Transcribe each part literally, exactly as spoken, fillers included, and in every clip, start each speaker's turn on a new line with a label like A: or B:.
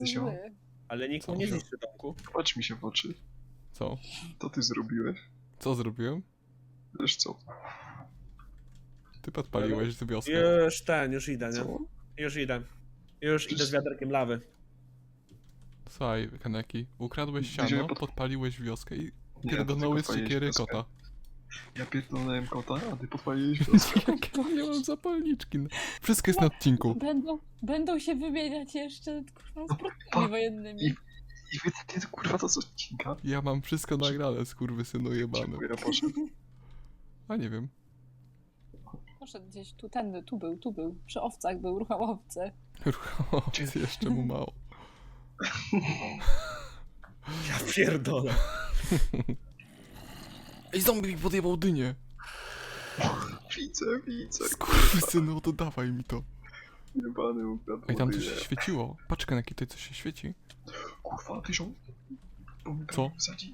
A: zły.
B: Ale nikt
C: Co?
B: mu nie zniszczy domku.
D: Patrz mi się w oczy.
C: Co?
D: To ty zrobiłeś?
C: Co zrobiłem?
D: Wiesz co?
C: Ty podpaliłeś tę wioskę.
B: Już ten, już idę, nie?
D: Co?
B: Już idę. Już idę z wiaderkiem lawy.
C: Słuchaj, Kaneki, ukradłeś
D: Gdzie
C: siano,
D: pod-
C: podpaliłeś wioskę i
D: Nie,
C: pierdolnąłeś
D: to
C: z
D: ty
C: siekiery
D: podpaliłeś
C: kota.
D: Ja pierdolnąłem kota, a ty podpaliłeś wioskę.
C: Ja nie mam zapalniczki. no. Wszystko jest na odcinku.
A: Będą, będą się wymieniać jeszcze kurwa, z
D: pa-
A: produktami wojennymi.
D: i- I wy ty, kurwa, to co odcinka?
C: Ja mam wszystko nagrane, skurwysynu jebany.
D: Dziękuję, poszedł.
C: A nie wiem.
A: Poszedł gdzieś tu, tędy, tu był, tu był. Przy owcach był, ruchał owce.
C: Ruchomowcy jeszcze mu mało.
B: Ja pierdolę.
C: Ej, zombie mi podjebał dynię.
D: Widzę, widzę.
C: Skurwysynu, oddawaj mi to.
D: Jebany ukradł.
C: Ej, tam coś
D: wodę.
C: się świeciło. Patrz, Kaneki, tutaj coś się świeci.
D: Kurwa, ty żon... Bo mi
C: Co?
D: wsadzi.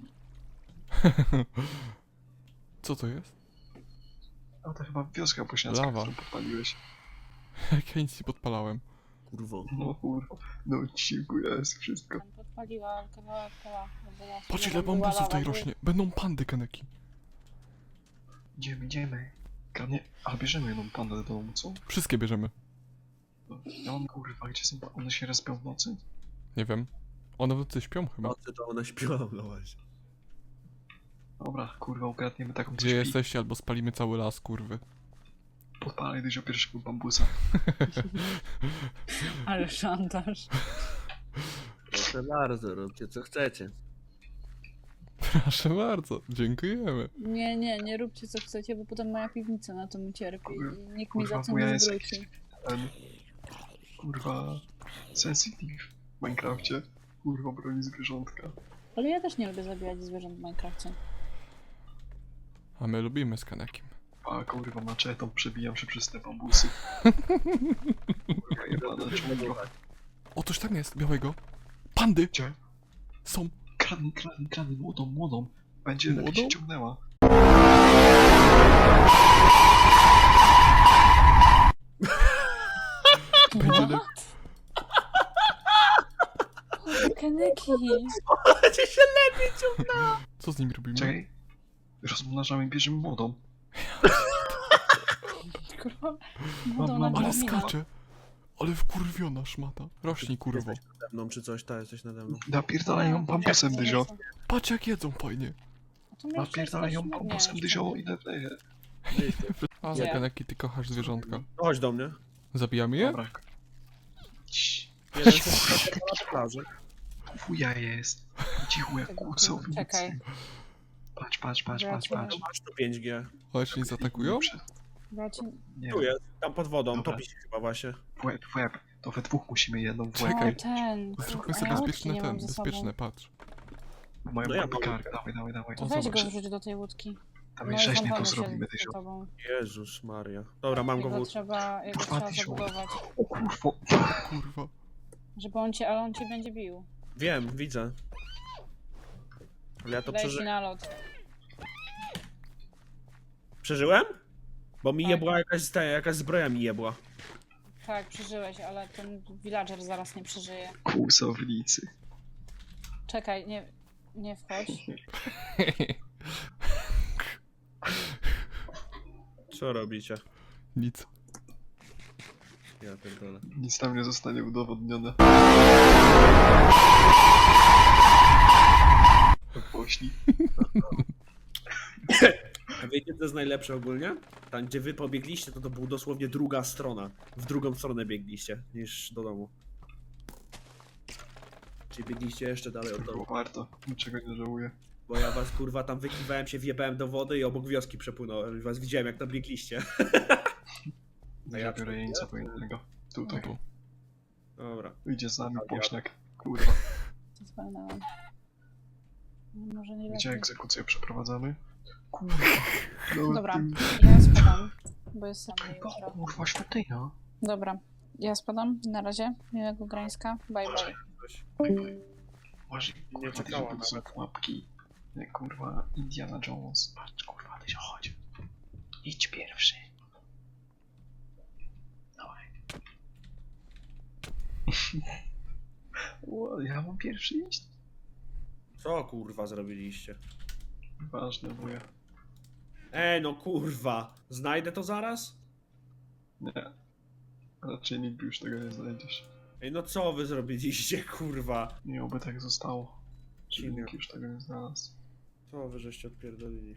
C: Co to jest?
D: A to chyba wioska bośniacka,
C: Lawa.
D: którą podpaliłeś.
C: Jak ja nic nie podpalałem.
B: Kurwo.
D: No kurwa. No odcinku jest wszystko.
A: Tam podpaliła kawałek koła.
C: Patrz, ile bambusów tutaj rośnie. Będą pandy, Kaneki.
D: Idziemy, idziemy. Kradnie... A bierzemy jedną pandę do domu, co?
C: Wszystkie bierzemy.
D: No, ja mam kurwa, gdzie są... One się respią w nocy?
C: Nie wiem. One w nocy śpią chyba.
B: Nocy to ona śpiła, no właśnie.
D: Dobra, kurwa, ukradniemy taką
C: Gdzie jesteście, albo spalimy cały las, kurwy.
D: Podpalaj dużo pierwszego bambusa.
A: Ale szantaż.
B: Proszę bardzo, róbcie co chcecie.
C: Proszę bardzo, dziękujemy.
A: Nie, nie, nie róbcie co chcecie, bo potem moja piwnica na tym ucierpi i nikt mi za
D: Kurwa,
A: to
D: bo ja
A: nie
D: jest
A: zwróci.
D: jakiś ten... Kurwa... Sensitive w Minecrafcie. Kurwa, broni zwierzątka.
A: Ale ja też nie lubię zabijać zwierząt w Minecrafcie.
C: A my lubimy z Kanekiem.
D: A kurwa, maczetą przebijam się przez te bambusy. Kurwa, jebana dżungla.
C: O, coś tam jest, białego. Pandy!
D: Gdzie?
C: Są.
D: Kradnij, kradnij, kradnij, młodą, młodą. Będzie lepiej
C: Młodą?
D: się ciągnęła.
C: Będzie le...
A: Keneki!
B: Będzie się lepiej ciągnęło.
C: Co z nim robimy?
D: Czekaj. Rozmnażamy i bierzemy młodą.
A: Kurwa,
D: Mam,
A: młodą
D: mam,
A: na
C: Ale
A: Wiedźmina.
C: skacze. Ale wkurwiona szmata. Rośnij, kurwo.
B: Jesteś nade mną czy coś, ta jesteś nade mną.
D: Napierdalaj ją bambusem, dyzio.
C: Patrz jak jedzą fajnie.
A: To miałeś
D: Napierdalaj ją
A: przestać-
D: bambusem,
A: nie,
D: dyzio
A: nie.
D: i lepiej.
C: A,
A: Gdzie?
C: Kaneki, ty kochasz zwierzątka.
B: No chodź do mnie.
C: Zabijamy je?
D: Dobra. Cii,
B: Jeden się na plaży.
D: Wuja jest. Cicho jak kłusownicy.
A: Czekaj.
D: Patrz, patrz, patrz, patrz, patrz.
B: Masz tu pięć G.
C: Chodź, nie zaatakują?
A: Bracie,
D: Nie,
B: Tu jest, tam pod wodą,
D: Dobra.
B: topi się chyba właśnie.
D: w łeb, w łeb. To we dwóch musimy jedną w
C: Czekaj.
D: łeb.
A: o ten,
C: Zróbmy
A: kurwa,
C: sobie
A: ja łódki
C: bezpieczne
A: nie mam
C: ten,
A: ze sobą.
C: bezpieczne, patrz.
D: Moją
B: No ja
D: ja
B: mam.
D: kark. Dawaj, dawaj, dawaj.
A: To
C: O,
A: weź
C: zobacz.
A: go wrzuć do tej łódki.
D: Dawaj,
A: i
D: rzeźnie to
A: zamknę się
D: zrobimy,
A: z
D: dyzio.
A: tobą.
B: Jezus Maria. Dobra, mam go w
A: Jego
B: łódce.
A: trzeba, jego
D: Kurwa,
A: trzeba
D: dyzio.
A: zabudować.
D: O kurwo.
C: Kurwa.
A: Żeby on cię, ale on cię będzie bił.
B: Wiem, widzę. Ale ja to
A: Leci
B: przeży...
A: na lot.
B: przeżyłem? Bo mi
A: Tak.
B: jebła jakaś, ta, jakaś zbroja mi jebła.
A: Tak, przeżyłeś, ale ten villager zaraz nie przeżyje.
D: Kłusownicy.
A: Czekaj, nie, nie wchodź.
B: Co robicie?
C: Nic.
B: Ja pierdolę.
D: Nic tam nie zostanie udowodnione. Pośli.
B: A wiecie co jest najlepsze ogólnie? Tam gdzie wy pobiegliście, to to była dosłownie druga strona. W drugą stronę biegliście niż do domu. Czyli biegliście jeszcze dalej od
D: Było
B: domu.
D: warto. Niczego nie żałuję.
B: Bo ja was kurwa tam wykiwałem się, wjebałem do wody i obok wioski przepłynąłem. Was widziałem jak tam biegliście.
D: Ja, ja biorę jeńca wojennego. Tutaj.
C: Tu.
B: Dobra.
D: Idzie z nami
B: Ja-
D: pośniak. Kurwa.
A: Zwalnęłam. No, może nie
D: Gdzie
A: lepiej.
D: egzekucję przeprowadzamy? Kurwa. Nawet
A: Dobra,
D: tym-
A: ja spadam, bo jest sam
D: O
A: jutro.
D: kurwa, świątynia.
A: Dobra, ja spadam. Na razie. Miłego Grańska. Bye bye.
B: Coś.
D: Masz,
B: Nie
D: kurwa,
B: czekała
D: to są
B: nawet.
D: pułapki. Jak kurwa Indiana Jones. Patrz, kurwa, ty się chodź. Idź pierwszy. Dawaj. O, ja mam pierwszy iść?
B: Co kurwa zrobiliście?
D: Ważne, wuja.
B: Ej, no kurwa. Znajdę to zaraz?
D: Nie. Raczej nigdy już tego nie znajdziesz.
B: Ej, no co wy zrobiliście, kurwa?
D: Nie, oby tak zostało. Żeby
B: Dziwnie.
D: nikt już tego nie znalazł.
B: Co wy żeście odpierdolili?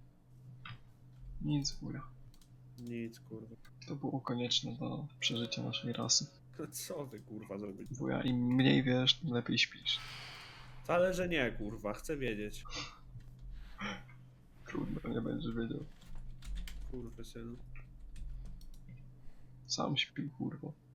D: Nic, wuja.
B: Nic, kurwa.
D: To było konieczne do przeżycia naszej rasy.
B: Co wy kurwa zrobiliście?
D: Wuja, im mniej wiesz, tym lepiej śpisz.
B: Wcale, że nie, kurwa. Chcę wiedzieć.
D: Trudno, nie będziesz wiedział.
B: Kurwy synu.
D: Sam śpi, kurwa.